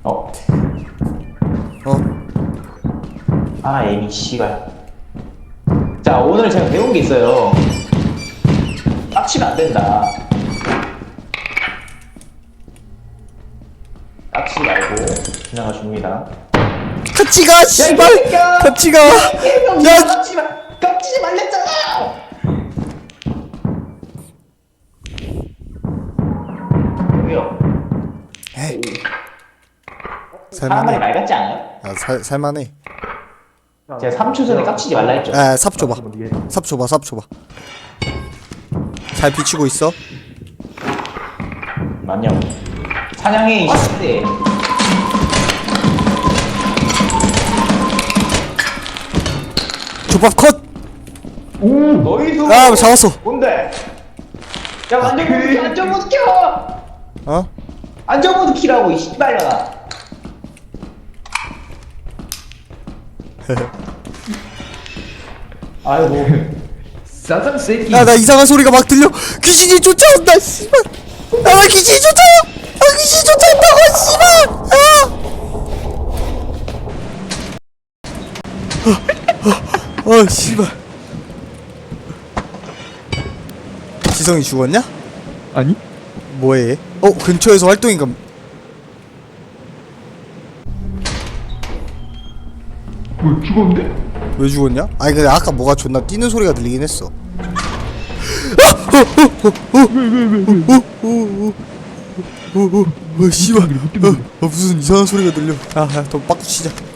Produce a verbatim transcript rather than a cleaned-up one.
어? 어? 아, 에미 씨발. 자, 오늘 제가 배운 게 있어요. 깝치면 안 된다. 깝치지 말고 지나가 줍니다. 같이 가, 씨발! 같이 가! 야, 깝치지 마! 깝치지 말랬잖아! 여기요. 에이. 사람들이 살만해. 말 같지 않아요? 아, 살, 살만해. 제가 삼 초 전에 깝치지 말라 했죠? 에, 삽 줘봐. 삽 줘봐, 삽 줘봐. 잘 비치고 있어? 맞냐? 사냥의 시대. 조밥 컷! 너희도. 아, 잡았어. 뭔데? 야, 안전모드 켜! 안전모드 켜! 어? 안전모드 키라고, 이 씨발려나. 아이고. 싸장 새끼. 야, 나 이상한 소리가 막 들려. 귀신이 쫓아온다, 씨발. 야, 나 귀신이 쫓아와. 아, 귀신이 쫓아온다고, 씨발. 아. 어, 어, 어, 씨발. 지성이 죽었냐? 아니? 뭐해? 어, 근처에서 활동인가? 뭐 죽었는데? 왜 죽었냐? 아니 근데 아까 뭐가 존나 뛰는 소리가 들리긴 했어. 왜왜왜왜? 어 씨발. 어 무슨 이상한 소리가 들려. 아더 빠꾸 치자.